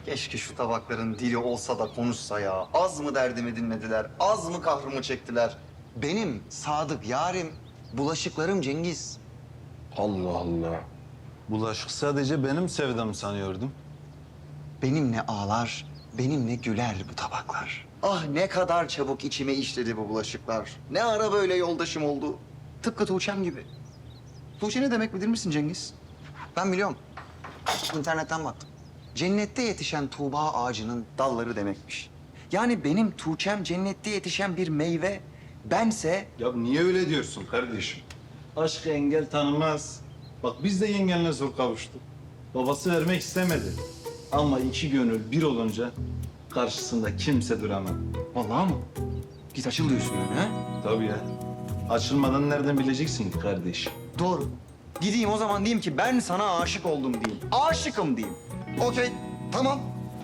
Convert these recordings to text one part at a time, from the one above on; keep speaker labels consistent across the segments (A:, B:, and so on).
A: Keşke şu tabakların dili olsa da konuşsa ya. Az mı derdimi dinlediler, az mı kahrımı çektiler? Benim sadık yarim, bulaşıklarım Cengiz.
B: Allah Allah. Bulaşık sadece benim sevdam sanıyordum.
A: Benimle ağlar, benimle güler bu tabaklar. Ah ne kadar çabuk içime işledi bu bulaşıklar. Ne ara böyle yoldaşım oldu. Tıpkı Tuğçe'm gibi. Tuğçe ne demek bilir misin Cengiz? Ben biliyorum. İnternetten baktım. Cennette yetişen Tuğba ağacının dalları demekmiş. Yani benim Tuğçe'm cennette yetişen bir meyve. Bense
B: Ya niye öyle diyorsun kardeşim? Aşk engel tanımaz. Bak biz de yengenle zor kavuştuk. Babası vermek istemedi. Ama iki gönül bir olunca karşısında kimse duramaz.
A: vallahi mı? Git açıl diyorsun yani ha?
B: Tabii ya. Açılmadan nereden bileceksin ki kardeşim?
A: Doğru. Gideyim o zaman diyeyim ki ben sana aşık oldum diyeyim. Aşıkım diyeyim. Okey, tamam.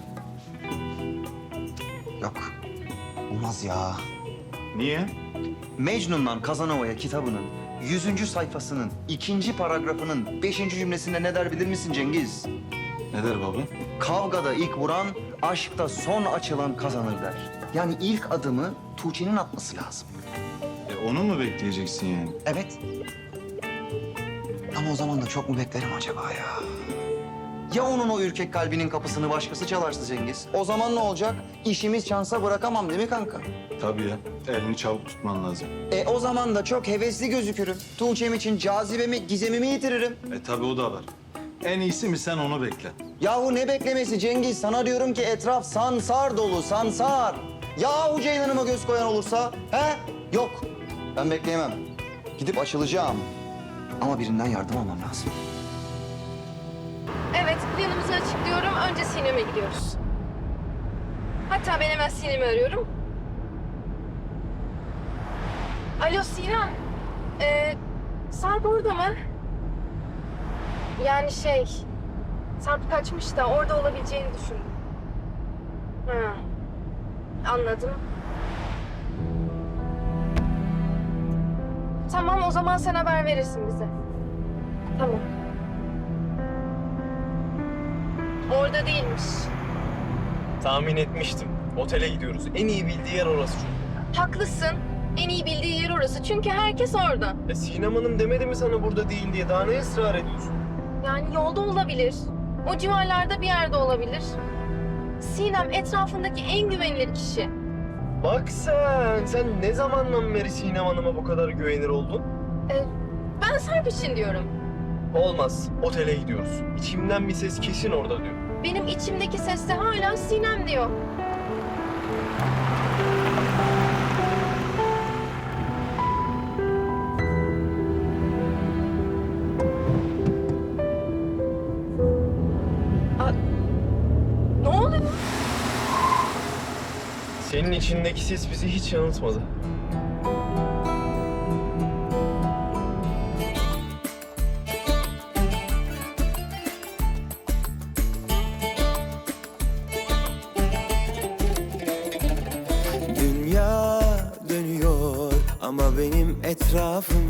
A: Yok, olmaz ya.
B: Niye?
A: Mecnun'dan Kazanova'ya kitabının 100. sayfasının 2. paragrafının 5. cümlesinde ne der bilir misin Cengiz?
B: Ne der baba?
A: Kavgada ilk vuran, aşkta son açılan kazanır der. Yani ilk adımı Tuğçe'nin atması lazım.
B: Onu mu bekleyeceksin yani?
A: Evet. Ama o zaman da çok mu beklerim acaba ya? Ya onun o ürkek kalbinin kapısını başkası çalarsa Cengiz? O zaman ne olacak? İşimiz şansa bırakamam değil mi kanka?
B: Tabii ya. Elini çabuk tutman lazım.
A: O zaman da çok hevesli gözükürüm. Tuğçe'm için cazibemi, gizemimi yitiririm.
B: Tabii o da var. En iyisi mi sen onu bekle.
A: Yahu ne beklemesi Cengiz? Sana diyorum ki etraf sansar dolu, sansar. Yahu Ceylan'ıma göz koyan olursa, he? Yok, ben bekleyemem. Gidip açılacağım. Ama birinden yardım almam lazım.
C: Evet, planımızı açıklıyorum. Önce Sinem'e gidiyoruz. Hatta ben hemen Sinem'i arıyorum. Alo Sinem. Sarp orada mı? Yani Sarp kaçmış da orada olabileceğini düşündüm. Ha, anladım. Tamam, o zaman sen haber verirsin bize. Tamam. Orada değilmiş.
D: Tahmin etmiştim. Otele gidiyoruz. En iyi bildiği yer orası çünkü.
C: Haklısın. En iyi bildiği yer orası. Çünkü herkes orada.
D: Sinem Hanım demedi mi sana burada değil diye? Daha ne ısrar ediyorsun?
C: Yani yolda olabilir. O civarlarda bir yerde olabilir. Sinem etrafındaki en güvenilir kişi.
D: Bak sen ne zamandan beri Sinem Hanım'a bu kadar güvenir oldun?
C: Ben Sarp için diyorum.
D: Olmaz. Otele gidiyoruz. İçimden bir ses kesin orada diyor.
C: Benim içimdeki ses de hala Sinem diyor. Ne oluyor?
D: Senin içindeki ses bizi hiç yanıltmadı.
E: Dünya dönüyor ama benim etrafım